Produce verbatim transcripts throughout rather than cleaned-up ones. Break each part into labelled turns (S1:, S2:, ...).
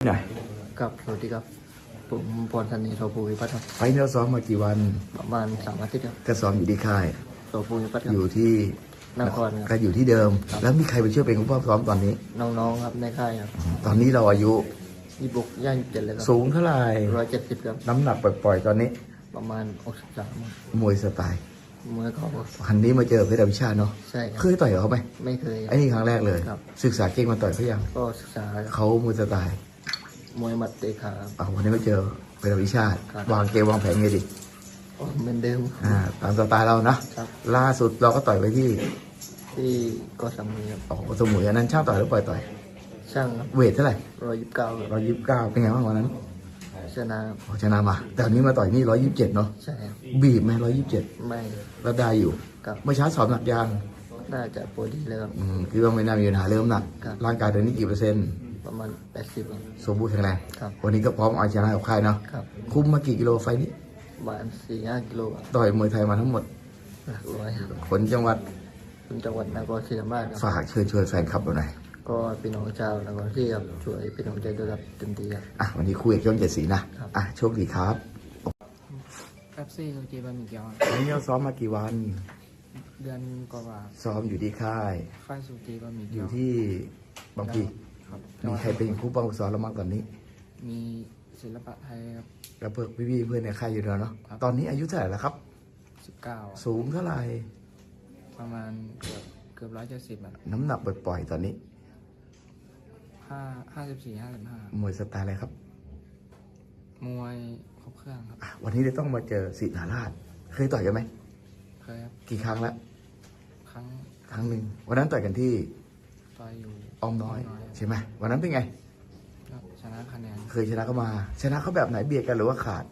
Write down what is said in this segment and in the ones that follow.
S1: หน่อย
S2: กับสวัสดีครับผมพรธันนีโสภูวิพัฒน์ครับ
S1: ไฟล์เราซ้อมมากี่วัน
S2: ประมาณสามอาทิตย์ครับ
S1: ก็ซ้อมอยู่ที่ค่าย
S2: โสภูวิพัฒน์
S1: อยู่ที่
S2: นครค
S1: ก็
S2: รับ
S1: อยู่ที่เดิมแล้วมีใครไปช่วยเป็นผู้ซ้อมตอนนี้
S2: น้องๆครับในค่ายครับ
S1: ตอนนี้เราอายุ
S2: ยี่สิบหกย่างยี่สิบเจ็ดเลยครับ
S1: สูงเท่าไหร่
S2: ร้อยเจ็ดสิบครับ
S1: น้ำหนักปล่อยๆตอนนี้
S2: ประมาณหกสิบสาม
S1: มวยสไตล์
S2: มวยเขา
S1: คันนี้มาเจอเพชรอภิชาติเนาะ
S2: ใช่ครับ
S1: เคยต่อยกับเขาไหม
S2: ไม่เคย
S1: ไอ้นี่ครั้งแรกเลยศึกษาเก่งมาต่อยเขายัง
S2: ก็ศึกษา
S1: เขามวยสไตล์
S2: มวยหมัดเตะขา
S1: อ๋อวันนี้มาเจอเพชรอภิชาติวางเกมวางแผนไงดิ
S2: เหมือนเดิม
S1: อ่าตามสไตล์เรานะล่าสุดเราก็ต่อยไปที่
S2: ที่ก็สมุยครับ
S1: อ๋อสมุยอันนั้นช่างต่อยหรือปล่อยต่อย
S2: ช่างครับ
S1: เวทเท่าไหร่
S2: ร้อยยี่สิบเก้า
S1: ร้อยยี่สิบเก้าเป็นไงบ้างวันนั้น
S2: ชนะ
S1: ชนะมาแต่อันนี้มาต่อยนี่ร้อยยี่สิบเจ็ดเนาะ
S2: ใช่ครับ
S1: บีบไหมร้อยยี่สิบเจ็ด
S2: ไม่
S1: แล้วได้อยู่เมื่อเช้าสอบหนักยาง
S2: น่าจะโปรดีเลยครับ
S1: อืมคือว่าไม่น่ามีปัญหาเริ่มหนักร่างกายตอนนี้กี่เปอร์เซ็นต์
S2: ประมาณแปดสิบ
S1: สมบูรณ์แข็งแรง
S2: ครับ
S1: วันนี้ก็พร้อมเอาชนะกับค่ายเนาะคุ้มมากี่กิโลไฟนี้
S2: ประมาณสี่ห้ากิโล
S1: ต่อยมวยไทยมาทั้งหมด
S2: หลักร้อย
S1: คนจังหวัด
S2: คนจังหวัดนครศรีธรรมราช
S1: ฝากเชิญชวนแฟนคลับเราหน่อย
S2: ก็พี่น้องชาวนครศรีครับช่วยพี่น้องใจด้วยครับเต็มที่ครับ
S1: อ่ะวันนี้คุยกับช่องเจ็ดสีนะอ่ะโชคดีครับ
S2: แป๊บซี่เกบะหมี่เกี๊ยว
S1: วันนี้เราซ้อมมากี่วัน
S2: เดือนกว่า
S1: ซ้อมอยู่ที่ค่าย
S2: ค่ายสุกีบะหมี่เกี๊
S1: ยวอยู่ที่บางพีมีใครเป็นผู้ป้องกันซ้อมเราบ้างตอนนี้
S2: มีศิลปะไทยครับ
S1: แล้วเพื่อนพี่เพื่อนในค่ายอยู่แล้วเนาะตอนนี้อายุเท่าไหร่แล้วครับ
S2: สิบเก้า
S1: สูงเท่าไหร่
S2: ประมาณเกือบเกือบร้อยเจ็ดสิบอ่ะ
S1: น้ำหนักปล่อยๆตอนนี้
S2: ห้าห้าสิบสี่ห้าสิบห้
S1: ามวยสไตล์อะไรครับ
S2: มวยครบเครื่องครับ
S1: วันนี้เราต้องมาเจอสิทธาราชเคยต่อยกันไหม
S2: เคยครับ
S1: กี่ครั้งแล้ว
S2: ครั้ง
S1: ครั้งหนึ่งวันนั้นต่อยกันที่
S2: ต่อยอยู่
S1: อ้อมน้อยใช่ไหมวันนั้นเป็นไง
S2: ชนะคะแนน
S1: เคยชนะเขามาชนะเขาแบบไหนเบียดกันหรือว่าขาด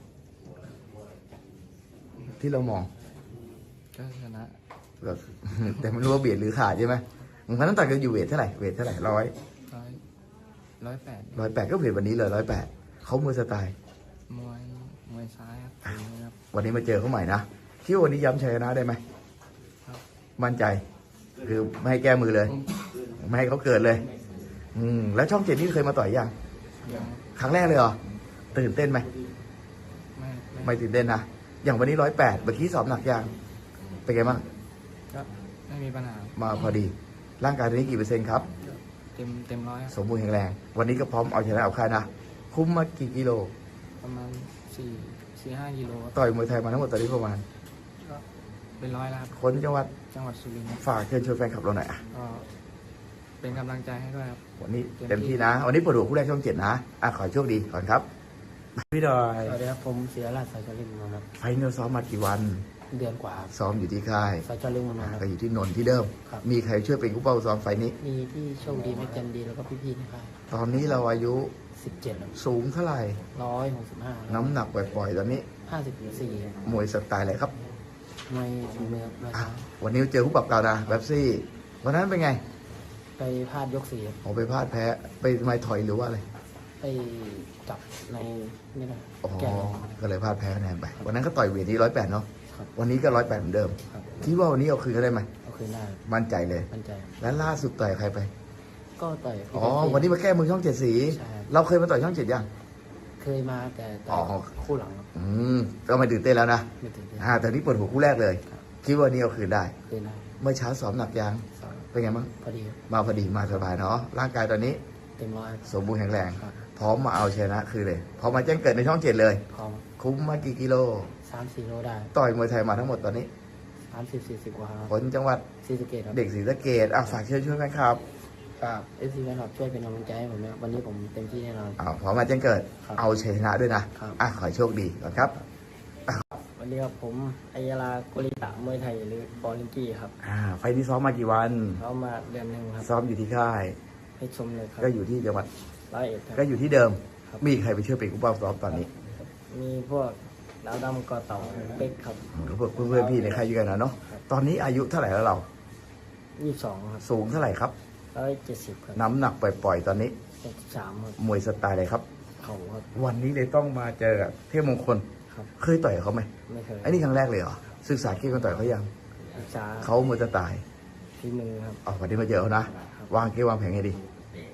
S1: ที่เรามอง
S2: ก็ชนะ
S1: แบบแต่ไม่รู้ว่าเบียดหรือขาดใช่ไหมวันนั้นต่อยกันอยู่เวทเท่าไหร่เวทเท่าไหร่ร้อย
S2: ร้อยร้อยแปด
S1: ร้อยแปดก็เวทวันนี้เลยร้อยแปดเขามวยสไตล์
S2: มวยมวยซ้ายครับ
S1: วันนี้มาเจอเขาใหม่นะคิดว่าวันนี้ย้ำชัยชนะได้ไหมมั่นใจคือไม่ให้แก้มือเลยไม่ให้เขาเกิดเลยอืมแล้วช่องเจ็ดนี่เคยมาต่อยยังครั้งแรกเลยเหรอตื่นเต้นไหม
S2: ไม่
S1: ไม่ตื่นเต้นนะอย่างวันนี้ร้อยแปดเมื่อกี้สอบหนักยังเป็นไงบ้าง
S2: ก็ไม่มีปัญหา
S1: มาพอดีร่างกายตอนนี้กี่เปอร์เซ็นต์ครับ
S2: เต็มเต็มร้อย
S1: สมบูรณ์แข็งแรงวันนี้ก็พร้อมเอาชนะเอาค่ายนะคุ้มมากี่กิโล
S2: ประมาณสี่สี่ห้ากิโล
S1: ต่อยมวยไทยมาทั้งหมดตอนนี้ประมาณ
S2: ก็เป็นร้อยแล้ว
S1: คนจังหวัด
S2: จังหวัดสุรินทร์
S1: ฝากเชิญชวนแฟนคลับเราหน่อยอ่ะ
S2: ก็เป็นกำลังใจให้ด้วยครับ
S1: วันนี้เต็มที่นะวันนี้เปิดหัวคู่แรกช่องเจ็ดนะอ่ะขอโชคดีก่อนครับพี่ดอย
S2: สวัสดีครับผมเสียราชสายชลิงมครับ
S1: ไฟเนลซ้อมมากี่วัน
S2: เดือนกว่า
S1: ซ้อมอยู่ที่ค่าย
S2: สายชลิงม
S1: ก็อยู่ที่นนท์ที่เดิมมีใครช่วยเป็นผู้เป้าซ้อมไฟนี้
S2: มีที่โชคดีแม็กจันดีแล้วก็พี่ๆนะครับ
S1: ตอนนี้เราอายุ
S2: สิบเจ็ด
S1: สูงเท่าไหร่
S2: ร้อยหกสิบห้า
S1: น้ำหนักปล่อยๆตอนนี้
S2: ห้าสิบสี่
S1: มวยสไตล์อะไรครับ
S2: มวยฝีมือนะครับ
S1: วันนี้เจอผู้ปรับเก่านะแบ็บซี่วันนั้นเป็นไง
S2: ไปพลาดยกสี่
S1: ผมไปพลาดแพ้ไปไม่ถอยหรือว่าอะไร
S2: ไปจับในไม่ได้
S1: อ๋อก็เลยพลาดแพ้คะแนนไปวันนั้นก็ต่อยเวทที่ร้อยแปดเนาะวันนี้ก็ร้อยแปดเหมือนเดิมคิดว่าวันนี้เอาคืนก็ได้ไหม
S2: เอาคืนได้
S1: มั่นใจเลย
S2: มั่นใจ
S1: แล้วล่าสุดต่อยใครไป
S2: ก็ต่อย
S1: อ๋อวันนี้มาแก้มือช่องเจ็ดสีเราเคยมาต่อยช่องเจ็ดยัง
S2: เคยมาแต่ต่อยคู่หลัง
S1: อืมก็ไม่ตื่นเต้นแล้วนะ
S2: ไม่ตื่นเต้น
S1: อ่าแต่นี่เปิดหัวคู่แรกเลยคิดว่านี้เอาคืนได้
S2: คืนได้
S1: เมื่อเช้าซ้อมหนักยังเป็นไงบ้าง
S2: พอดี
S1: มาพอดีมาสบายเนาะร่างกายตอนนี้
S2: เต็มร้อย
S1: สมบูรณ์แข็งแรงพร้อมมาเอาชนะคือเลยพอมาแจ้งเกิดในช่องเจ็ดเลย
S2: พร้อม
S1: คุ้มมากี่กิโล
S2: สามสี่โลได้
S1: ต่อยมวยไทยมาทั้งหมดตอนนี้
S2: สามสิบสี่สิบกว่า
S1: คนจังหวัด
S2: ศรีสะเกษ
S1: เด็กศรีสะเกษอ่ะฝากเชิญชวนแฟนคลับ
S2: ครับเอฟซีแฟนคลับช่วยเป็นกำลังใจให้ผมนะวันนี้ผมเต็มที่แน่นอน
S1: อ่าพร้อมมาแจ้งเกิดเอาชนะด้วยนะอ่ะขอโชคดีก่อนครับ
S2: วันนี้ครับผมอัยยาลาโกริตะมวยไทยหรือบอลลิงกี้ครับ
S1: อ่าไฟที่ซ้อมมากี่วัน
S2: ซ้อมมาเดือนหนึ่งครับ
S1: ซ้อมอยู่ที่ค่าย
S2: ให้ชมเลยครับ
S1: ก็อยู่ที่จังหวัด
S2: ร้อยเอ็ด
S1: ก็อยู่ที่เดิมมีใครไปช่วยเป็นผู้ป้องซ้อมตอนนี้
S2: มีพวกดาวดำกอเต่าเป็กครับ
S1: พวกเพื่อนพี่ในค่ายอยู่กันนะเนาะตอนนี้อายุเท่าไหร่แล้วเรา
S2: ยี่สิบสองครับ
S1: สูงเท่าไหร่ครับ
S2: ร้อยเจ็ดสิบครับ
S1: น้ำหนักปล่อยๆตอนนี้
S2: หกสิบสามครับ
S1: มวยสไตล์อะไรครับ
S2: เขาครับ
S1: วันนี้เลยต้องมาเจอเทพมงคลเคยต่อยเขาไหม
S2: ไม่เคย
S1: ไอ้นี่ครั้งแรกเลยเหรอศึกษาเก่งกันต่อยเขายัง
S2: ศึกษา
S1: เขามวยสไตล์
S2: ที่มือครับ
S1: อ๋อวันนี้มาเจอเขานะวางเกมวางแผนให้ดี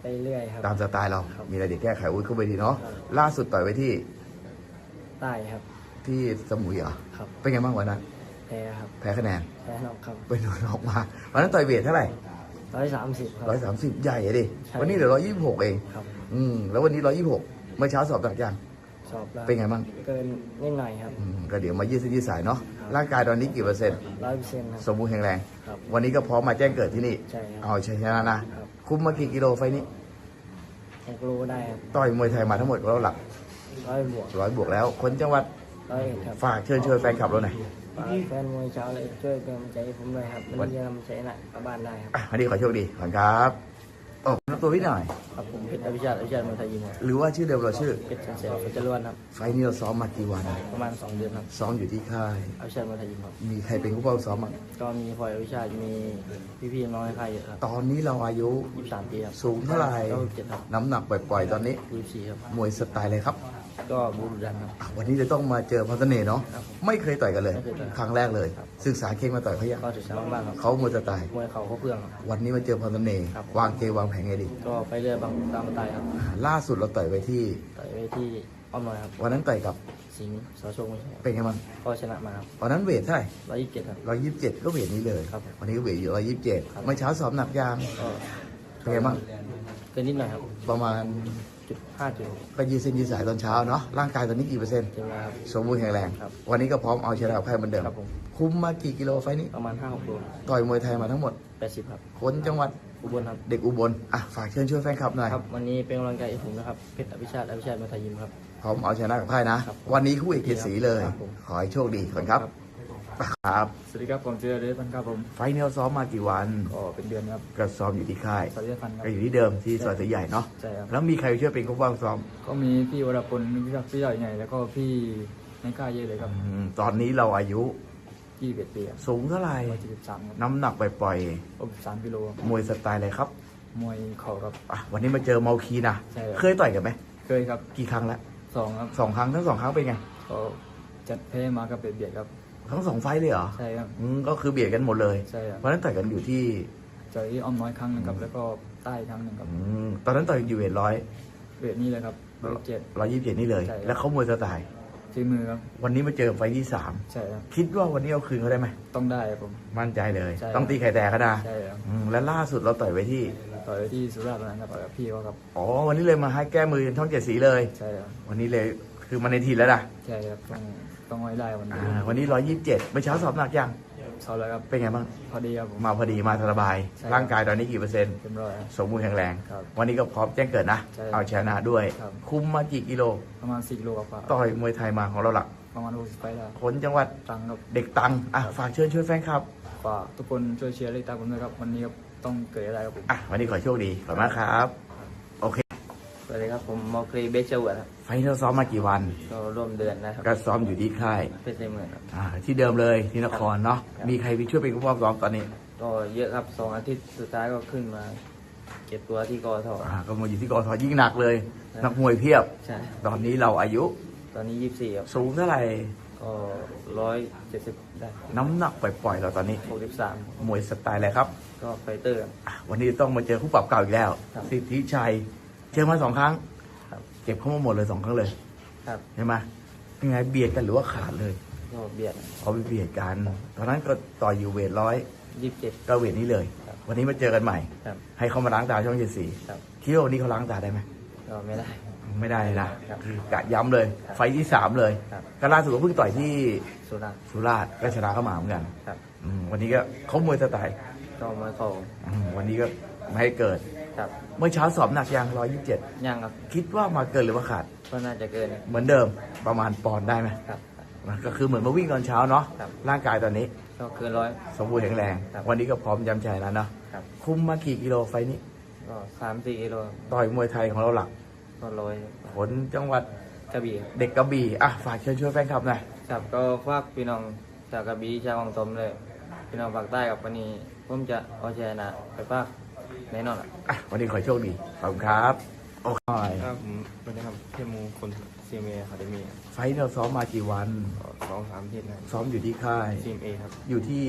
S2: ไปเรื่อยครับ
S1: ตามสไตล์เรา
S2: ครับ
S1: มีอะไรเดี๋ยวแก้ไขอุ้ยเข้าไปทีเนาะ
S2: ครับ
S1: ล่าสุดต่อยไปที่
S2: ใต้ครับ
S1: ที่สมุยเหรอ
S2: ครับ
S1: เป็นไงบ้างวันนั้น
S2: แพ้ครับ
S1: แพ้คะแนน
S2: แพ้นอกครับ
S1: ไปโดนออกมาวันนั้นต่อยเวทเท่าไหร่
S2: ร้อยสามสิบครับ
S1: ร้อยสามสิบใหญ่อะดิ
S2: ใช่
S1: วันนี้เหลือร้อยยี่สิบหกเอง
S2: ครับ
S1: อืมแล้ววันนี้ร้อยยี่สิบหกเมื่อเช้าสอบหนักยัง
S2: สอบแล้ว
S1: เป็นไงบ้าง
S2: เกินนิดหน่อยครับ
S1: อืมก็เดี๋ยวมายืดเส้นยืดสายเนาะ
S2: ครับ
S1: ร่างกายตอนนี้กี่เปอร์เซ็นต์
S2: ร้อยเปอร์เซ็นต์ครับ
S1: สมบูรณ์แข็งแรง
S2: ครับ
S1: วันนี้ก็พร้อมมาแจ้งเกิดที่นี่
S2: ใช่ครับ
S1: เอาชัยชนะนะ
S2: ครับ
S1: คุ้มมากี่กิโลไฟล์นี้
S2: หกโลได้ครับ
S1: ต่อยมวยไทยมาทั้งหมดแล้วหลัก
S2: ร้อยบวก
S1: ร้อยบวกแล้ว คนจังหวัด
S2: ร้อยเอ็ดครับ
S1: ฝากเชิญชวนแฟนคลับเราหน่อย
S2: ฝากแฟนมวยชาวเลยช่วยเป็นกำลังใจให้ผมด้วยครับมันจะนำใจหนักกลับบ้านได้ครับ
S1: อ่ะวันนี้ขอโชคดีขอบคุณครับโอ้นับตัวพี่หน่อย
S2: ครับผมเพชรอภิชาติอภิชาติมวยไทยยิมครับ
S1: หรือว่าชื่อเดิมเราชื่อ
S2: เพชรเฉลิมเพชรจรวนครับ
S1: ไฟล์นี้เราซ้อมมากี่วัน
S2: ประมาณสองเดือนครับ
S1: ซ้อมอยู่ที่ค่าย
S2: อภิชาติมวยไทยยิมครับ
S1: มีใครเป็นผู้เฝ้าซ้อมบ้าง
S2: ก็มีพลอยอภิชาติมีพี่ๆน้องในค่ายเยอะครับ
S1: ตอนนี้เราอายุ
S2: ยี่สิบสามปีครับ
S1: สูงเท่าไหร่
S2: ก็เจ็ดครับ
S1: น้ำหนักปล่อยๆตอนนี้
S2: ยี่สิบสี่ครับ
S1: มวยสไตล์เลยครับ
S2: ก็บูรุดันครับ
S1: อ่ะวันนี้จะต้องมาเจอพันธเนศเนาะ
S2: ครับ
S1: ไม่เคยต่อยกันเลย
S2: ไม่เคยต่อย
S1: ครั้งแรกเลย
S2: ครับ
S1: ศึกษาเก่งมาต่อยเขายัง
S2: ก็ศึกษาบ้างครับ
S1: เขามวยสไตล์
S2: มวยเข่าเขาเพื่องครับ
S1: วันนี้มาเจอพันธเนศ
S2: ครับ
S1: วางเกมวางแผนไงดี
S2: ก็ไปเรื่อยบางตามสไตล์ครับ
S1: อ่าล่าสุดเราต่อยไปที่
S2: ต่อยไปที่อ้อมน้อยครับ
S1: วันนั้นต่อยกับ
S2: สิงห์สอโชคไม่ใช่ครับ
S1: เป็นไงบ้าง
S2: ก็ชนะมาครับ
S1: วันนั้นเวทเท่าไหร่
S2: ร้อยยี่สิบเจ็ดครับ
S1: ร้อยยี่สิบเจ็ดก็เวทนี้เลย
S2: ครับ
S1: วันนี้ก็เวทอยู่ร้อยยี่สิบเจ็ด
S2: ครับ
S1: เมื่อเช้าสอบหนักยาง
S2: ก็
S1: เป็นไงบ้าง
S2: เกินนิดหน่อยครับ
S1: ประมาณ
S2: จุดห้าจุด
S1: ก็ยืดเส้นยืดสายตอนเช้าเนาะร่างกายตอนนี้กี่เปอร์เซ็นต์
S2: เต็มแล้วครับ
S1: สมบูรณ์แข็งแรง
S2: ครับ
S1: วันนี้ก็พร้อมเอาชนะกับใครเหมือนเดิม
S2: ครับผม
S1: คุมมากี่กิโลไฟล์นี้
S2: ประมาณห้าหกโล
S1: ต่อยมวยไทยมาทั้งหมด
S2: แปดสิบครับ
S1: คนจังหวัด
S2: อุบลครับ
S1: เด็กอุบลอ่ะฝากเชิญชวนแฟนคลับหน่อย
S2: ครับ วันนี้เป็นกำลังใจให้ผมนะครับเพชรอภิชาติอภิชาติมวยไทยยิมครับ
S1: พร้อมเอาชนะกับใครนะ
S2: ครับ
S1: วันนี้คู่เอกเกียรติศรีเลย
S2: ครับผม
S1: ขอให้โชคดีก่อนครับครับ
S2: สวัสดีครับผมเจอเดชพันครับผม
S1: ไฟล์นี้เราซ้อมมากี่วัน
S2: ก็เป็นเดือนครับ
S1: ก็ซ้อมอยู่ที่ค่าย
S2: สวัสดีพันครับ
S1: ก็อยู่ที่เดิมที่ซอยเสือใหญ่เนาะ
S2: ใช่ครับ
S1: แล้วมีใครช่วยเป็นคู่บ้างซ้อม
S2: ก็มีพี่วรพลพี่รักพี่ใหญ่ไงแล้วก็พี่ในค่ายเยอะเลยครับ
S1: อืมตอนนี้เราอายุ
S2: ยี่สิบเอ็ดปีครับ
S1: สูงเท่าไหร่
S2: ร้อยเจ็ดสิบสามครับ
S1: น้ำหนักปล่อย
S2: หกสิบสามกิโลครับ
S1: ๆมวยสไตล์อะไรครับ
S2: มวยเข่าครับ
S1: อ่ะวันนี้มาเจอเมาคีนะ
S2: ใช่ครับ
S1: เคยต่อยกันไหม
S2: เคยครับ
S1: กี่ครั้งแล้ว
S2: สองครับ
S1: สองครั้งทั้งสองครั้งเป็นไง
S2: ก็จัดแพ้มากับเบียดๆครับ
S1: ทั้งสองไฟล์เลยเหรอ
S2: ใช่ครับ
S1: อืมก็คือเบียดกันหมดเลย
S2: ใช่ครับ
S1: เพราะฉะนั้นต่อยกันอยู่ที่
S2: เจอที่อ้อมน้อยครั้งหนึงครับแล้วก็ใต้ครั้งหนึ่งครับ
S1: อืมตอนนั้นต่อยอยู่เวทร้อย
S2: เวทนี้เลยครับร้อยเจ็ด
S1: ร้อยยี่สิบเจ็ดนี่เลย
S2: ใช่ครับ
S1: แล้วเขามวยสไตล์
S2: ฝีมือครับ
S1: วันนี้มาเจอไฟล์ที่สาม
S2: ใช่ครับ
S1: คิดว่าวันนี้เอาคืนเขาได้ไหม
S2: ต้องได้ครับผม
S1: มั่นใจเลย
S2: ใช่
S1: ต้องตีไข่แตกก็ได้
S2: ใช่ครับ
S1: อืมและล่าสุดเราต่อยไว้ที่
S2: ต่อยไปที่สุราษฎร์ธานีครับต่อยกับพี่เขาครับ
S1: อ๋อวันนี้เลยมาให้แก้มือช่องเจ็ดสีเลย
S2: ใช่ครับ
S1: วันนี้เลยคือมาในทีแล้วนะ
S2: ใช่ครับต้องต้องไว้ได้วันนี้
S1: อ่าวันนี้ร้อยยี่สิบเจ็ดเมื่อเช้าสอบหนักยัง
S2: เขาแล้วครับ
S1: เป็นไงบ้าง
S2: พอดีครับผม
S1: มาพอดีมาสบาย
S2: ใช่ครับ
S1: ร่างกายตอนนี้กี่เปอร์เซ็นต์
S2: เต็มร้อยครับ
S1: สมบูรณ์แข็งแรง
S2: ครับ
S1: วันนี้ก็พร้อมแจ้งเกิดนะ
S2: ใช่ครับ
S1: เอาชนะด้วย
S2: ครับ
S1: คุมมากี่กิโล
S2: ประมาณสี่กิโลกว่า
S1: ต่อยมวยไทยมาของเราหลัก
S2: ประมาณหกสิบไปแล้ว
S1: คนจังหวัด
S2: ตังค์ครับ
S1: เด็กตังอ่ะฝากเชิญช่วยแฟนคลับ
S2: ฝากทุกคนช่วยเชียร์เลยตามผมด้วยครับวันนี้ครับต้องเกิดอะไรครับผม
S1: อ่ะวันนี้ขอโชคดีขอบคุณมากครับ โอเค
S2: สวัสดีครับผมมอครีเบสเจอร์ครับ
S1: ไฟท์เราซ้อมมากี่วัน
S2: ก็ร่วมเดือนนะครับ
S1: ก็ซ้อมอยู่ที่ค่าย
S2: เพชรในเมืองครับ
S1: อ่าที่เดิมเลยที่นครเนาะ
S2: ครับ
S1: มีใครไปช่วยเป็นผู้ป้องซ้อมตอนนี้
S2: ก็เยอะครับสองอาทิตย์สุดท้ายก็ขึ้นมา เก็บตัวที่กอท
S1: อ่าก็มาอยู่ที่กอทยิ่งหนักเลย
S2: ครับ
S1: นักมวยเพียบ
S2: ใช่
S1: ตอนนี้เราอายุ
S2: ตอนนี้ยี่สิบสี่ครับ
S1: สูงเท่าไหร่
S2: ก็ร้อยเจ็ดสิบได้
S1: น้ำหนักปล่อยๆเราตอนนี้
S2: หกสิบสาม
S1: มวยสไตล์อะไรครับ
S2: ก็ไฟเตอร์ครับ
S1: อ่ะวันนี้ต้องมาเจอคู่ปรับเก่าอีกแล้ว
S2: ครับ
S1: สิทธิชัย เจอมาสองครั้ง
S2: ครับ
S1: เก็บเข้ามาหมดเลยสองครั้งเลย
S2: ครับ
S1: ใช่ไหมยังไงเบียดกันหรือว่าขาดเลย
S2: ก็เบียด
S1: เขาไปเบียดกัน ตอนนั้นก็ต่อยอยู่เวทร้อย
S2: ยี่สิบเจ็ด
S1: ก็เวทนี้เลย
S2: ครับ
S1: วันนี้มาเจอกันใหม่
S2: ครับ
S1: ให้เขามาล้างตาช่องเจ็ดสี
S2: ครับ
S1: คิดว่าวันนี้เขาล้างตาได้ไหม
S2: ก็ไม่ได้
S1: ไม่ได้เลยนะครับ คือกะย้ำเลย
S2: ครับ
S1: ไฟท์ที่สามเลย
S2: ครับ
S1: ก็ล่าสุดก็เพิ่งต่อยที่
S2: สุราษฎร์
S1: สุราษฎร์ก็ชนะเข้ามาเหมือนกัน
S2: ครับ
S1: อืมวันนี้ก็เขามวยสไตล์
S2: ก็มาเข่า
S1: อืมวันนี้ก็ไม่ให้เกิด
S2: ครับ
S1: เมื่อเช้าสอบหนักยังร้อยยี่สิบเจ็ด
S2: ย่างครับ
S1: คิดว่ามาเกินหรือว่าขาด
S2: ก็น่าจะเกิน
S1: เหมือนเดิมประมาณปอนด์ได้ไหม
S2: ครับ
S1: ก็คือเหมือนมาวิ่งตอนเช้าเนาะ
S2: ครับ
S1: ร่างกายตอนนี้
S2: ก็เกินร้อย
S1: สมบูรณ์แข็งแรง
S2: ครับ
S1: วันนี้ก็พร้อมย้ำใจแล้วเนาะ
S2: ครับ
S1: คุมมากี่กิโลไฟล์นี้
S2: ก็สามสี่กิโล
S1: ต่อยมวยไทยของเราหลัก
S2: ก็ร้อย
S1: ผลจังหวัด
S2: กระบี่ครับ
S1: เด็กกระบี่อ่ะฝากเชิญชวนแฟนคลับหน่อย
S2: ครับก็ฝากพี่น้องชาวกระบี่ชาววังตมเลย พี่น้องภาคใต้กับวันนี้ผมจะเอาชนะไปฝากแน่นอนอะ
S1: อ่ะวันนี้ขอให้โชคดีขอบคุณครับโอเค
S2: ครับผมสวัสดีครับเทมูคนซีเมอะคาเดมี่
S1: ไฟท์เราซ้อมมากี่วัน
S2: สองสามอาทิตย์นะ
S1: ซ้อมอยู่ที่ค่าย
S2: ซีเมครับ
S1: อยู่ที่
S2: ช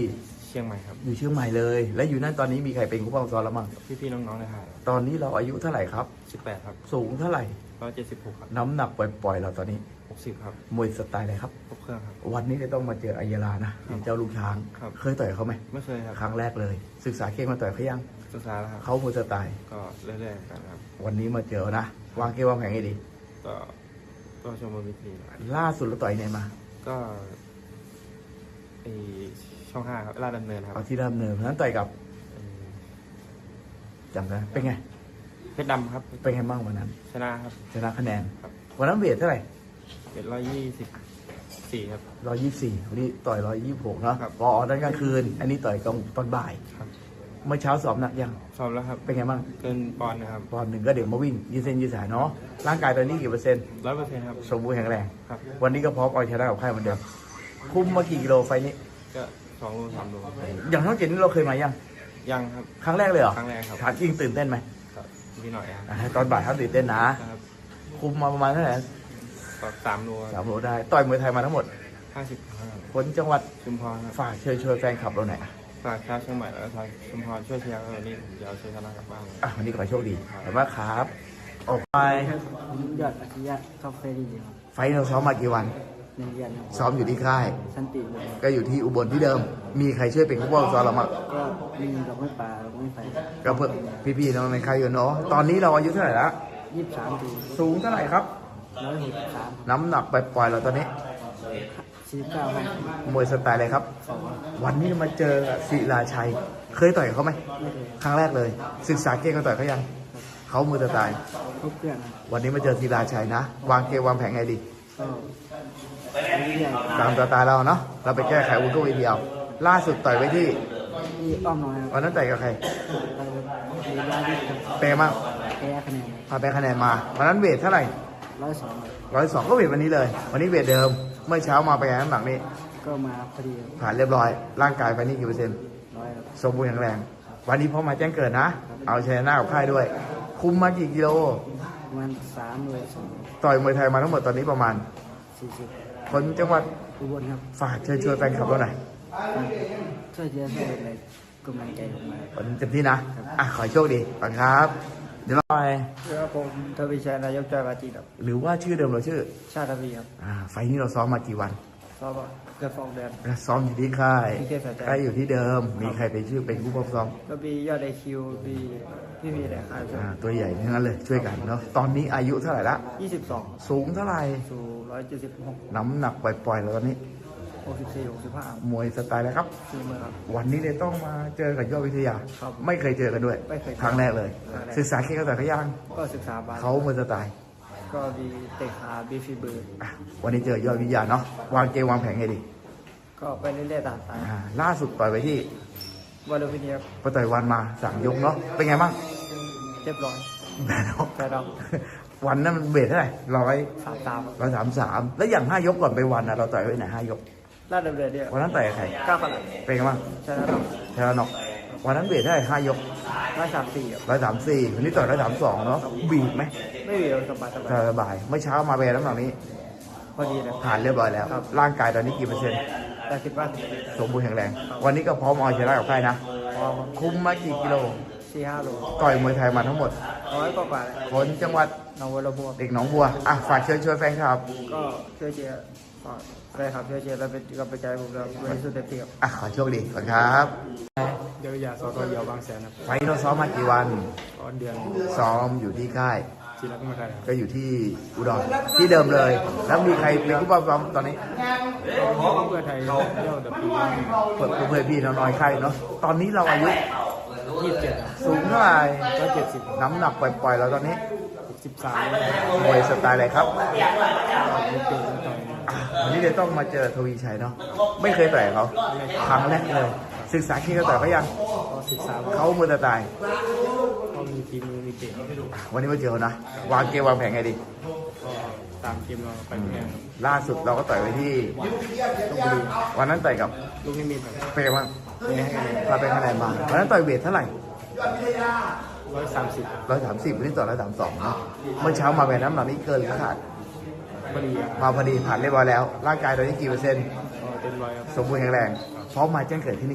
S3: เชียงใหม่ครับ
S1: อยู่เชียงใหม่เลย และอยู่นั่นตอนนี้มีใครเป็นผู้ปกครองแล้วมั้ง
S3: พี่ๆน้องๆในค่าย
S1: ตอนนี้เราอายุเท่าไหร่ครับ
S3: สิบแปดครับ
S1: สูงเท่าไหร่
S3: ร้อยเจ็ดสิบหกครับ
S1: น้ำหนักปล่อยๆเราตอนนี้
S3: หกสิบครับ
S1: มวยสไตล์อะไรครับ
S3: ครบเครื่องครับ
S1: วันนี้จะต้องมาเจออัยยาลานะ
S3: ครับ
S1: เจ้าลูกช้าง
S3: ครับ
S1: เคยต่อยเขาไหม
S3: ไม่เคยครับ
S1: ครั้งแรกเลย ศึกษาเกมมาต่อยเขายัง
S3: ศึกษาแล้วครับ
S1: เขามวยสไตล์
S3: ก็เรื่อยๆกันครับ
S1: วันนี้มาเจอนะ วางเกมวางแผนให้ดี
S3: ก็ก็ชมบนวิธี
S1: ล่าสุดเราต่อยไหนมา
S3: ก็ไอช่องห้าครับลาดดำเนินครับ
S1: เอาที่เริ่มเนินนั้นต่อยกับ
S3: เอ่อ
S1: จำได้เป็นไง
S3: เพชรดำครับ
S1: เป็นไงบ้างวันนั้น
S3: ชนะครับ
S1: ชนะคะแนน
S3: ครับ
S1: วันนั้นเวทเท่าไหร่
S3: เป็นร้อยยี่สิบสี่ครับ
S1: ร้อยยี่สิบสี่วันนี้ต่อยร้อยยี่สิบหกเนาะ
S3: ครับ
S1: พอตอนกลางคืน อันนี้ต่อยกลางตอนบ่าย
S3: ครับ
S1: เมื่อเช้าสอบหนักยัง
S3: สอบแล้วครับ
S1: เป็นไงบ้าง
S3: เกินปอนด์นะครับ
S1: ตอนหนึ่งก็เดี๋ยวมาวิ่งยืดเส้นยืดสายเนาะ ร่างกายตอนนี้กี่เปอร์เซ็นต์
S3: ร้อยเปอร์เซ็นต์ครับ
S1: สมบูรณ์แข็งแรง
S3: ครับ
S1: วันนี้ก็พร้อมเอาชนะกับค่ายเหมือนเดิม คุมมากี่กิโลไฟล์นี้
S3: ก็สองโลสามโลครับ
S1: อย่างน้องเจนนี่เราเคยมายัง
S3: ยังครับ
S1: ครั้งแรกเลยเหรอ
S3: ครั้งแรกครับ
S1: ถามจริงตื่นเต้นไหม
S3: ครับพี่หน่อยครับ
S1: อ่าตอนบ่ายครับตื่นเต้นนะ
S3: ครับ
S1: คุมมาประมาณเท่าไหร่
S3: ก็สามโล
S1: สามโลได้ ต่อยมวยไทยมาทั้งหมด
S3: ห้าสิบครับ
S1: คนจังหวัด
S3: ชุมพรครับ
S1: ฝากเชิญชวนแฟนคลับเราหน่อยอ่ะ
S3: ฝากชาวเชียงใหม่และชาวชุมพรช่วยเชียร์กันวันนี้ผมจะเอาชัยชนะกลับบ้านเลย
S1: อ่ะวันนี้ขอให้โชคดีขอบคุณมากครับ ออกไป
S4: ผมยอดอัจฉริยะท็อปเฟรดีครับ
S1: ไฟล์เราซ้อมมากี่วัน
S4: ในเรียนครับ
S1: ซ้อมอยู่ที่ค่าย
S4: สันติเลย
S1: ก็อยู่ที่อุบลที่เดิม มีใครช่วยเป็นผู้ป้องซ้อมเรามั้ง
S4: ก็มีดอกไม้ป่าดอกไม้ไฟ
S1: ก็เพื่อพี่ๆน้องในค่ายอยู่เนาะ ตอนนี้เราอายุเท่าไหร่ละ
S4: ยี่สิบสามปี
S1: สูงเท่าไหร่ครับ
S4: ร้อยหกสิบสาม
S1: น้ำหนักปล่อยๆเราตอนนี้
S4: สี่เก้าห้อง
S1: มวยสไตล์อะไรครับ
S4: สอง
S1: วันนี้มาเจอศิลาชัย เคยต่อยกับเขาไหม
S4: ไม่เลย
S1: ครั้งแรกเลย ศึกษาเกมกันต่อยเขายัง เขามือสไตล์
S4: ครบเครื่องนะ
S1: วันนี้มาเจอศิลาชัยนะ วางเกมวางแผนไงดี
S4: ก็เรื่อย
S1: ตามสไตล์เราเนาะ เราไปแก้ไขวุ้นก็วีเดียว ล่าสุดต่อยไว้ที่
S4: ๆที่อ้อมน้อยครับ
S1: วันนั้นต่อยกับใคร
S4: เราเรียนได้ที่ครับ
S1: เปย์มาก
S4: แพ้คะแนน
S1: พาไปคะแนนมา วันนั้นเวทเท่าไหร่
S4: ร้อยสอง
S1: ร้อยสองก็เวทวันนี้เลย วันนี้เวทเดิม เมื่อเช้ามาไปไงน้ำหนักนี้
S4: ก็มาพอดี
S1: ผ่านเรียบร้อย ร่างกายไปนี่กี่เปอร์เซ็นต์
S4: ร้อยครับ
S1: สมบูรณ์แข็งแรง วันนี้พอมาแจ้งเกิดนะ เอาชยนะกับค่ายด้วย คุมมากี่กิโล
S4: ประมาณสามเลยสอง
S1: ต่อยมวยไทยมาทั้งหมดตอนนี้ประมาณ
S4: สี่สิบ
S1: คนจังหวัด
S4: อุบลครับ
S1: ฝากเชิญชวนแฟนคลับเราหน่อย
S4: ช่วยเชียร์ช่วยอะไรกำลังใจผมมา
S1: วันนี้เต็มที่นะ อ่ะ ขอให้โชคดีฝังครับ เดี๋ยวเราไป
S4: ครับผมทวีชัยนายกจอยปาจีครับ
S1: หรือว่าชื่อเดิมเราชื่อ
S4: ชาติทวีครับ
S1: อ่า ไฟล์นี้เราซ้อมมากี่วัน
S4: สอบเกือบสองเดือน
S1: แล้วซ้อมอยู่ที่ค่าย
S4: ที่เทพสายใจ
S1: ค่ายอยู่ที่เดิม มีใครเป็นชื่อเป็นผู้ปกครอง
S4: ก็มียอดไอคิวมีพี่มีแต่ค่าย
S1: อ่า ตัวใหญ่ทั้งนั้นเลย ช่วยกันเนาะ ตอนนี้อายุเท่าไหร่ละ
S4: ยี่สิบสอง
S1: สูงเท่าไหร่
S4: สู่ร้อยเจ็ดสิบหก
S1: น้ำหนักปล่อยๆแล้วตอนนี้
S4: หกสิบสี่หกสิบห้าม
S1: วยสไตล์แล้วครับ
S4: สี่เมื่อครับ
S1: วันนี้เลยต้องมาเจอกับยอดวิทยา
S4: ครับ
S1: ไม่เคยเจอกันด้วย
S4: ไม่เคย
S1: ครั้งแรกเลย
S4: ครั้งแรก
S1: ศึกษาเกมกันแต่อยเขายัง
S4: ก็ศึกษาบาส
S1: เขามวยสไตล์
S4: ก็มีเตะขาบีฟีเบิร์ด
S1: อ่ะวันนี้เจอยอดวิทยาเนาะ วางเกมวางแผนไงดี
S4: ก็ไปเรื่อยๆตามสาย
S1: อ่าล่าสุดต่อยไปที่
S4: วอลเลย์บอลครับ
S1: ไปต่อยวันมาสามยกเนาะ เป็นไงบ้าง
S4: เรียบร้อย
S1: แพ้เนาะ
S4: แต่เรา
S1: วันนั้นมันเบสเท่าไหร่ร้อย
S4: สามตาม
S1: ร้อยสามสามแล้วอย่างห้ายกก่อนไปวันนะเราต่อยไว้ไหนห้ายก
S4: ลาดดำเนินเนี่ย
S1: วันนั้นต่อยกับใคร
S4: เก้าขนาด
S1: เป็นไงบ้าง
S4: ชนะเรา
S1: ชนะน็อกวันนั้นเบสเท่าไหร่ห้ายก
S4: ร้อยสามสี่ครับ
S1: ร้อยสามสี่วันนี้ต่อยร้อยสามสองเนาะ บีบไหม
S4: ไม่มีเราสบายสบาย
S1: สบายเมื่อเช้ามาแบนน้ำหนักนี้
S4: พอดีเลย
S1: ผ่านเรียบร้อยแล้ว ร่างกายตอนนี้กี่เปอร์เซ็นต์
S4: แต่คิดว่า
S1: สมบูรณ์แข็งแรง วันนี้ก็พร้อมเอาชนะกับใครนะ
S4: พอ
S1: คุมมากี่กิโล
S4: สี่ห้าโล
S1: ต่อยมวยไทยมาทั้งหมด
S4: ร้อยกว่าๆเลย
S1: คนจังหวัด
S4: น้องวัวระบว
S1: เด็กหนองบัว อ่ะ ฝากเชิญชวนแฟนคลับ
S4: ก็ช่วยเชียร์ฝากแฟนคลับช่วยเชียร์และเป็นกำลังใจให้ผมด้วยวันนี้สุดเต็มที่ครับ
S1: อ่ะ ขอโชคดีก่อนครับ
S3: เดี๋ยวยาสอตอยาวบางแสนครับ
S1: ไฟท์เราซ้อมมากี่วัน
S3: ตอนเดือน
S1: ซ้อมอยู่ที่ค่าย
S3: จีรักมาไทยครับ
S1: ก็อยู่ที่อุดร ที่เดิมเลย แล้วมีใครเป็นผู้ปกครองตอนนี้
S3: เพื่อไทยเที่ยวดับปี
S1: เพื่อนเพื่อนพี่น้องๆค่ายเนาะ ตอนนี้เราอายุ
S3: ยี่สิบเจ็ด
S1: สูงเท่าไหร่
S3: ร้อยเจ็ดสิบ
S1: น้ำหนักปล่อยๆเราตอนนี้
S3: หกสิบสาม
S1: มวยสไตล์อะไรครับ
S3: ไม่เกินตอน
S1: อ่ะวันนี้เดี๋ยวต้องมาเจอทวีชัยเนาะ ไม่เคยต่อยเขาครั้งแรกเลย ศึกษาที่เขาต่อยเขายัง
S3: ก็ศึกษาว่า
S1: เขามือสไตล์
S3: เขามีฝีมือมีเก่ง
S1: วันนี้มาเจอเขานะ วางเกมวางแผนไงดี
S3: ก็ตามเกมเราไปแข่งครับ
S1: ล่าสุดเราก็ต่อยไปที่
S3: ลพบุรี
S1: วันนั้นต่อยกับ
S3: ลูกนิมิตครับ
S1: เปย์บ้าง
S3: ไม่ให้คะแนน
S1: พาไปคะแนนมาวันนั้นต่อยเวทเท่าไหร่
S3: ร้อยสามสิบ
S1: ร้อยสามสิบวันนี้ต่อร้อยสามสองเนาะเมื่อเช้ามาแบบน้ำหนักนี้เกินหรือขาด
S3: พอดีครับ
S1: มาพอดีผ่านเรียบร้อยแล้ว ร่างกายตอนนี้กี่เปอร์เซ็นต์
S3: ก็เต็มร้อยครับ
S1: สมบูรณ์แข็งแรงพร้อมมาแจ้งเกิดที่นี่
S3: ครับ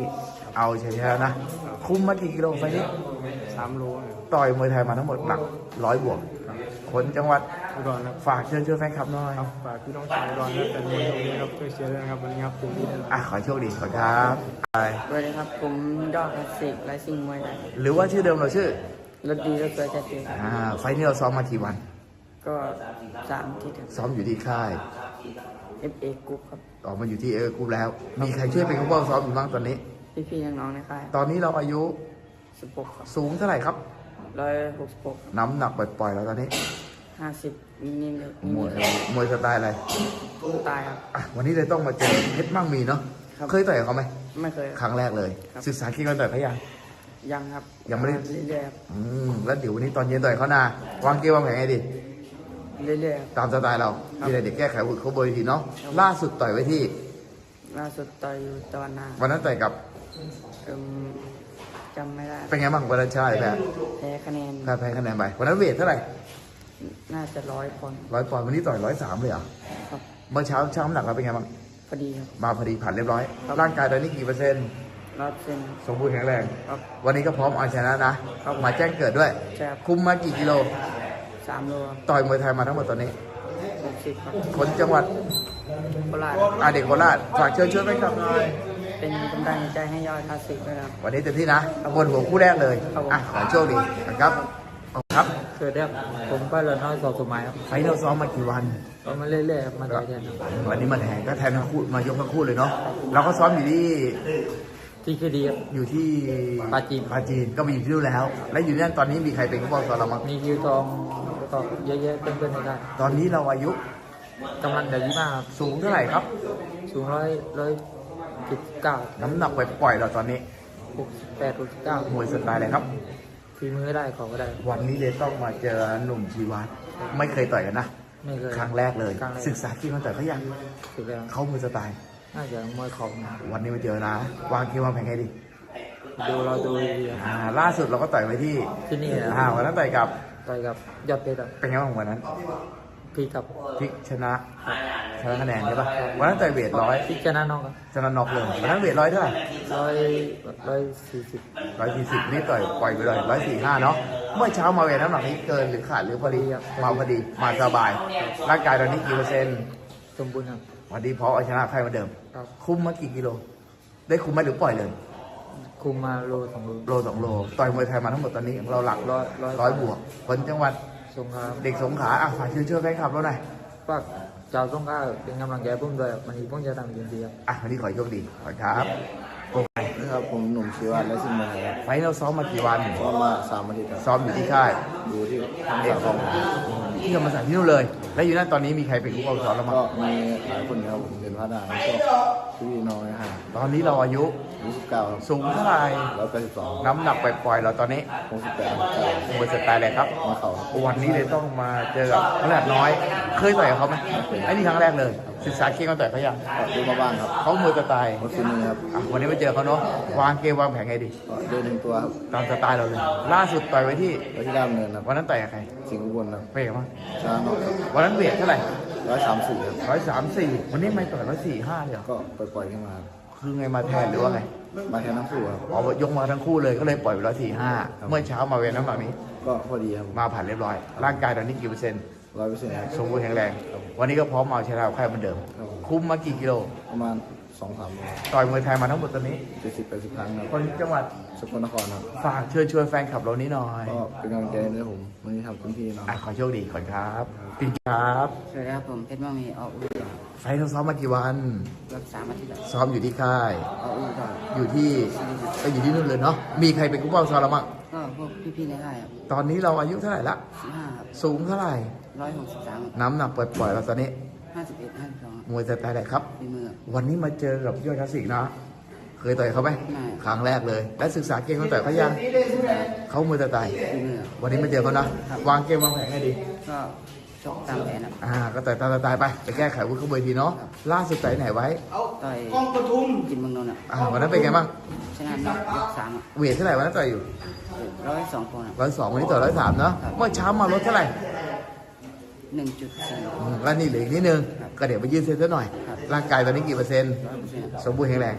S1: เอาใช่แล้วนะ คุมมากี่กิโลไฟนี้
S3: สามโลครับ
S1: ต่อยมวยไทยมาทั้งหมดหลักร้อยบวก คนจังหวัด
S3: อุดรครับ
S1: ฝากเชิญชวนแฟนคลับหน่อย
S3: ครับฝากพี่น้องชาวอุดรและแฟนมวยตรงนี้ครับช่วยเชียร์ด้วยนะครับวันนี้ครับเต็มที่แน่นอน
S1: อ่ะขอให้โชคดีขอบคุณครับไป
S5: สวัสดีครับ ผมยอดคลาสสิกไลซิ่งมวยไทย
S1: หรือว่าชื่อเดิมเราชื่อ
S5: รถดีรถสวยจัดเต็ม
S1: อ่า ไฟล์นี้เราซ้อมมากี่วัน
S5: ก็สามที่ถึง
S1: ซ้อมอยู่ที่ค่าย
S5: เอฟเอกรุ๊ปครับ
S1: ออกมาอยู่ที่เออร์กรุ๊ปแล้ว มีใครช่วยเป็นผู้ป้องซ้อมอยู่บ้างตอนนี้
S5: พี่ๆน้องๆในค่าย
S1: ตอนนี้เราอายุ
S5: สิบหกครับ
S1: สูงเท่าไหร่ครับ
S5: ร้อยหกสิบหก
S1: น้ำหนักปล่อยๆแล้วตอนนี้
S5: ห้าสิบนิดๆเลย
S1: มวยมวยสไตล์อะไร
S5: ตายครับ
S1: อ่ะวันนี้เลยต้องมาเจอเพชรมั่งมีเนาะ
S5: ครับ
S1: เคยต่อยกับเขาไหม
S5: ไม่เคย
S1: ครั้งแรกเลย
S5: ครับ
S1: ศึกษาคิดกันต่อยเขายัง
S5: ยังครับ
S1: ยังไม่ได้
S5: เรื่อยๆครับ
S1: อืมแล้วเดี๋ยววันนี้ตอนเย็นต่อยเขานาวางเกมวางแผนไงดี
S5: เรื่อยๆครับ
S1: ตามสไตล์เรา
S5: ครับ
S1: มีอะไรเด็กแก้ไขหุ่นเขาเบอร์ทีเนาะล่าสุดต่อยไว้ที่
S5: ล่าสุดต่อยอยู่ตะวันนา
S1: วันนั้นต่อยกับ
S5: เอิ่มจำไม่ได้
S1: เป็นไงบ้างวันนั้นชาแพ้
S5: แพ้คะแนน
S1: แพ้แพ้คะแนนไปวันนั้นเวทเท่าไหร่
S5: น่าจะร้อยคน
S1: ร้อยปอนด์วันนี้ต่อยร้อยสามเลยเหรอ
S5: ครับ
S1: เมื่อเช้าเช้าน้ำหนักเราเป็นไงบ้าง
S5: พอดีครับ
S1: มาพอดีผ่านเรียบร้อย
S5: ครับ
S1: ร่างกายตอนนี้กี่เปอร์เซ็นต์
S5: รอดเส้น
S1: สมบูรณ์แข็งแรง
S5: ครับ
S1: วันนี้ก็พร้อมเอาชนะนะมาแจ้งเกิดด้วย
S5: ใช่ครับ
S1: คุมมากี่กิโล
S5: สามโลครับ
S1: ต่อยมวยไทยมาทั้งหมดตอนนี้
S5: หกสิบครับ
S1: คนจังหวัด
S5: โคราช
S1: อาเด็กโคราชฝากเชิญชวนแฟนคลับหน่อย
S5: เป็นกำลังใจให้ยอดคลาสสิกด้วยครับ
S1: วันนี้เต็มที่นะบนหัวคู่แรกเลย
S5: ครับผม
S1: อ่ะขอโชคดีนะครับขอบคุณครับ
S2: สวัสดีครับผมก็เลยน้อยสอบสมัยครับ
S1: ไฟท์เราซ้อมมากี่วัน
S2: ก็มาเรื่อยๆครับมาต่อยแทนครับ
S1: วันนี้มาแทนก็แทนทั้งคู่มายกทั้งคู่เลยเนาะเราก็ซ้อมอยู่ที่
S2: ที่คือดีครับ
S1: อยู่ที่
S2: ปาจีน
S1: ปาจีนก็มาอยู่ที่นู่นแล้ว และอยู่นั่นตอนนี้มีใครเป็นผู้ปกครองเรามั้ง
S2: มีคิวทองแล้วก็เยอะๆเพื่อนๆในได้
S1: ตอนนี้เราอายุ
S2: กำลังเดือดยี่มากครับ
S1: สูงเท่าไหร่ครับ
S2: สูงร้อยร้อยสิบเก้า
S1: น้ำหนักไปปล่อยๆเราตอนนี้
S2: หกสิบแปดหกสิบเก้าม
S1: วยสไตล์อะไรครับ
S2: ฝีมือได้ของก็ได้
S1: วันนี้เลยต้องมาเจอหนุ่มชีวัตไม่เคยต่อยกันนะ
S2: ไม่เคย
S1: ครั้งแรกเลย
S2: ครั้งแรก
S1: ศึกษาที่มันต่อยเขายัง
S2: สุดแล้ว
S1: เขามือสไตล์
S2: น่าจะมวยเของ
S1: วันนี้มาเจอนะ วางเกมวางแผนไงดี
S2: ดูเราดูดีๆครับ
S1: อ่าล่าสุดเราก็ต่อยไปที่
S2: ที่นี่นะ
S1: อ่าวันนั้นต่อยกับ
S2: ต่อยกับยอดเพชรครับ
S1: เป็นไงบ้างวันนั้น
S2: พี่กับ
S1: พลิกชนะชนะคะแนนใช่ปะวันนั้นต่อยเวทร้อย
S2: พี่ชนะน้องครับ
S1: ชนะน็อกเลยวันนั้นเวทร้อยเท่าไหร่
S2: ร้อยร้อยสี่สิบ
S1: ร้อยสี่สิบนี่ต่อยปล่อยไปเลยร้อยสี่ห้าเนาะเมื่อเช้ามาเวทน้ำหนักนี้เกินหรือขาดหรือพอดีมาพอดีมาสบาย ร่างกายตอนนี้กี่เปอร์เซ็นต์
S2: สมบูรณ์ครับ
S1: วันนี้พอเอาชนะใครเหมาเดิม
S2: ครับ
S1: คุมมากี่กิโล ได้คุมไหมหรือปล่อยเลย
S2: คุมมาโลสองโล
S1: โลสองโล ต่อยมวยไทยมาทั้งหมดตอนนี้เราหลัก
S2: ร้อยร้อย
S1: ร้อยบวก คนจังหวัด
S2: สงขลา
S1: เด็กสงขลาอ่ะฝากเชิญชวนแฟนคลับเราหน่อย
S2: ฝากชาวสงขลาเป็นกำลังใจผมด้วยวันนี้ผมจะทำเต็มที่ครับ
S1: อ่ะวันนี้ขอให้โชคดีขอบคุณครับโอเค
S4: นะครับผมหนุ่มชีวัตและซิ่งมวยไทยครับ
S1: ไฟท์เราซ้อมมากี่วัน
S4: ซ้อมมาสามอาทิตย์ครับ
S1: ซ้อมอยู่ที่ค่าย
S4: อยู่ที่ทำสาของ
S1: ที่ธรรมศาสตร์ที่นู่นเลย แล้วอยู่นั่นตอนนี้มีใครเป็นผู้ปกครองเรามั้ง
S4: ก็มีหลายคนครับผมเรียนพระดาแล้วก็พี่น้องนะฮะ
S1: ตอนนี้เราอายุ
S4: ยี่สิบเก้าครับ
S1: สูงเท่าไหร่
S4: ร้อยแปดสิบสอง
S1: น้ำหนักปล่อยๆเราตอนนี้
S4: หกสิบแปดครับ
S1: มวยสไตล์อะไรครับ
S4: มาเข่าครับ
S1: วันนี้เลยต้องมาเจอกับขนาดน้อย เคยต่อยกับเขาไหมไอ้นี่ครั้งแรกเลย ศึกษาเก่งกันต่อยเขายัง
S4: ก็ดูมาบ้างครับ
S1: เขามวยสไตล์
S4: หมดฟินมือครับ
S1: อ่ะวันนี้มาเจอเขาเนาะ วางเกมวางแผนไงดี
S4: ก็เดินหนึ่งตัวครับ
S1: ตามสไตล์เราเลย ล่าสุดต่อยไว้ที่
S4: ไว้ที่ด้านเนินครับ
S1: วันนั้นต่อยกับใคร
S4: สิงห์อุบลครับ
S1: เป๊ะมั้ง
S4: ชนะน็อกครับ
S1: วันนั้นเวทเท่าไหร่
S4: ร้อยสามสี่ครับ
S1: ร้อยสามสี่วันนี้ไม่ต่อยร้อยสี่ห้าเลยเหรอ
S4: ก็ปล่อยๆขึ้นมาครับ
S1: คือไงมาแทนหรือว่าไง
S4: มาแทนทั้งคู่ครับ
S1: อ๋อยกมาทั้งคู่เลยก็เลยปล่อยไปร้อยสี่ห้าเมื่อเช้ามาเวทน้ำหนักนี้
S4: ก็พอดีครับ
S1: มาผ่านเรียบร้อย ร่างกายตอนนี้กี่เปอร์เซ็นต์
S4: ร้อยเปอร์เซ็นต์ครับ
S1: สมบูรณ์แข็งแรง วันนี้ก็พร้อมเอาชนะใครเหมือนเดิม
S4: ครับผม
S1: คุ้มมากี่กิโล
S4: ประมาณสองสามโล
S1: ต่อยมวยไทยมาทั้งหมดตอนนี้
S4: เจ็ดสิบแปดสิบครั้งครับ
S1: คนจังหวัด
S4: สกลนครครับ
S1: ฝากเชิญชวนแฟนคลับเรานี้หน่อย
S4: ก็เป็นกำลังใจให้ผมวันนี้ทำเต็มที่เนาะ
S1: อ่ะขอโชคดีก่อนครับปินครับ
S5: สวัสดีครับผมเพชรมั่งมีออกอู่
S1: ไฟท์เราซ้อมมากี่วัน
S5: รักษามาที่แบบ
S1: ซ้อมอยู่ที่ค่าย
S5: ออกอู่ก็
S1: อยู่ที่ก็อยู่ที่นู่นเลยเนาะ มีใครเป็นกู้เป้าซ้อมเราบ้าง
S5: ก็พวกพี่ๆในค่ายครับ
S1: ตอนนี้เราอายุเท่าไหร่ละ
S5: สิบห้าครับ
S1: สูงเท่าไหร่
S5: ร้อยหกสิบสาม
S1: น้ำหนักปล่อยๆเราตอนนี้
S5: ห้าสิบเอ็ดห้าสิบสอง
S1: มวยสไตล์ไหนครับ
S5: ฝีมือ
S1: วันนี้มาเจอกับยอดคลาสสิกนะ เคยต่อยเขาไหม
S5: ไม่
S1: ครั้งแรกเลย และศึกษาเกมเขาต่อยเขายังเขามวยสไตล์
S5: ฝีมือ
S1: วันนี้มาเจอเขานะ วางเกมวางแผนให้ดี
S5: ก็ชกตามแผนครับ
S1: อ่า ก็ต่อยตามสไตล์ไป ไปแก้ไขวุ้นเขาเบอร์ทีเนาะ ล่าสุดต่อยไหนไว้
S5: ต่อยกินเมืองนนท์อ่ะ
S1: อ่า วันนั้นเป็นไงบ้าง
S5: ชนะน็อกยกสามอ่ะ
S1: เวทเท่าไหร่วันนั้นต่อยอยู่
S5: ร้อยสองปอนด์
S1: ร้อยสองวันนี้ต่อยร้อยสามเนาะ เมื่อเช้ามาลดเท่าไหร่
S5: หนึ่งจุดสี่
S1: อืมแล้วนี่เหลืออีกนิดนึง ก็เดี๋ยวไปยืดเส้นซะหน่อย ร่างกายตอนนี้กี่เปอร์เซ็นต์
S5: ร้อยเปอร์เซ็นต์
S1: สมบูรณ์แข็งแรง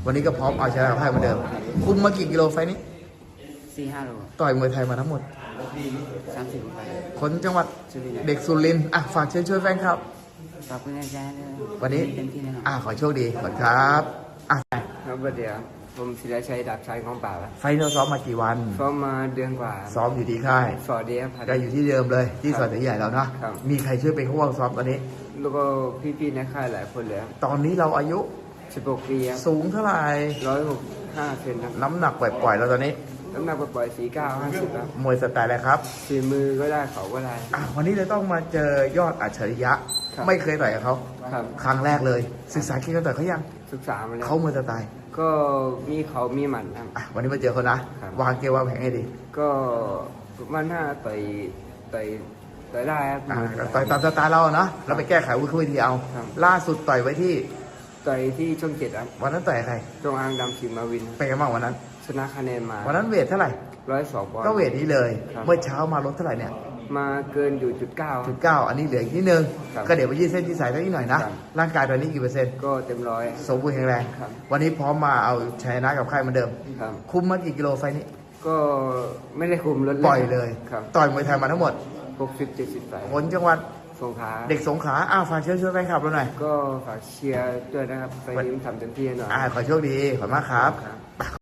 S1: วันนี้ก็พร้อมเอาชนะกับไพ่เหมือนเดิม คุมมากี่กิโลไฟล์นี้
S5: สี่ห้าโล
S1: ต่อยมวยไทยมาทั้งหมด
S5: สามสิบไป
S1: คนจังหวัด
S5: สุรินทร์
S1: เด็กสุรินทร์อ่ะฝากเชิญช่วยแฟนครับ
S5: ขอบคุณอาจารย์ด้วย
S1: วันนี้
S5: เต็มที่แน่นอน
S1: อ่ะขอโชคดีขอบคุณครับอ่ะ
S4: ครับเดี๋ยวผมศิลาชัยดาบชัยของป่าครับ
S1: ไฟล์เราซ้อมมากี่วัน
S4: ซ้อมมาเดือนกว่า
S1: ซ้อมอยู่ที่ค่าย
S4: สอดเดียพัน
S1: ก็อยู่ที่เดิมเลยที่สวนใหญ่เราเนาะ
S4: ครับ
S1: มีใครช่วยเป็นผู้วางซ้อมตอนนี้
S4: แล้วก็พี่ๆในค่ายหลายคนเลยครับ
S1: ตอนนี้เราอายุ
S4: สิบหกปีครับ
S1: สูงเท่าไหร่
S4: ร้อยหกห้าเซนครับ
S1: น้ำหนักปล่อยๆแล้วตอนนี้
S4: น้ำหนักปล่อยสี่เก้าห้าสิบครับ
S1: มวยสไตล์อะไรครับ
S4: ฝีมือก็ได้เขาก็ได้
S1: อ่ะวันนี้เลยต้องมาเจอยอดอัจฉริยะ
S4: ครับ
S1: ไม่เคยต่อยกับเขา
S4: ครับ
S1: ครั้งแรกเลย ศึกษาเกี่ยวกับต่อยเขายัง
S4: ศึกษามาแล้ว
S1: เขามวยสไตล์
S4: ก็มีเขามีหมันครับ
S1: อ่ะวันนี้มาเจอเขานะ
S4: ครับ
S1: วางเกมวางแผนให้ดี
S4: ก็มันหน้าต่อยต่อยต่อยได้ครับ
S1: อ่ะต่อยตามสไตล์เราเนาะเราไปแก้ไขวิธีเอา
S4: ครับ
S1: ล่าสุดต่อยไว้ที่
S4: ต่อยที่ช่องเจ็ดครับ
S1: วันนั้นต่อยกับใคร
S4: จงอางดำสิงห์มาวิน
S1: เป็นไงบ้างวันนั้น
S4: ชนะคะแนนมา
S1: วันนั้นเวทเท่าไหร่
S4: ร้อยสองปอนด์
S1: ก็เวทนี้เลย
S4: ครับ
S1: เมื่อเช้ามาลดเท่าไหร่เนี่ย
S4: มาเกินอยู่จุดเก้า
S1: จุดเก้าอันนี้เหลืออีกนิดนึง
S4: ครับ
S1: ก็เดี๋ยวไปยืดเส้นยืดสายสักนิดหน่อยนะ
S4: ครับ
S1: ร่างกายตอนนี้กี่เปอร์เซ็นต์
S4: ก็เต็มร้อย
S1: สมบูรณ์แข็งแรง
S4: ครับ
S1: วันนี้พร้อมมาเอาชัยชนะกับใครเหมือนเดิม
S4: ครับ
S1: คุมมากี่กิโลไฟล์นี้
S4: ก็ไม่ได้คุมรถ
S1: ปล่อยเลย
S4: ครับ
S1: ต่อยมวยไทยมาทั้งหมด
S4: หกสิบเจ็ดสิบสาย
S1: คนจังหวัด
S4: สงขลา
S1: เด็กสงขลาอ้าวฝากเชิญชวนแฟนคลับเราหน่อย
S4: ก็ฝากเชียร์ด้วยนะครับไปยิ้มทำเต็มที่หน่อย
S1: อ่าขอโชคดี ขอบคุณมากครับ
S4: ครับ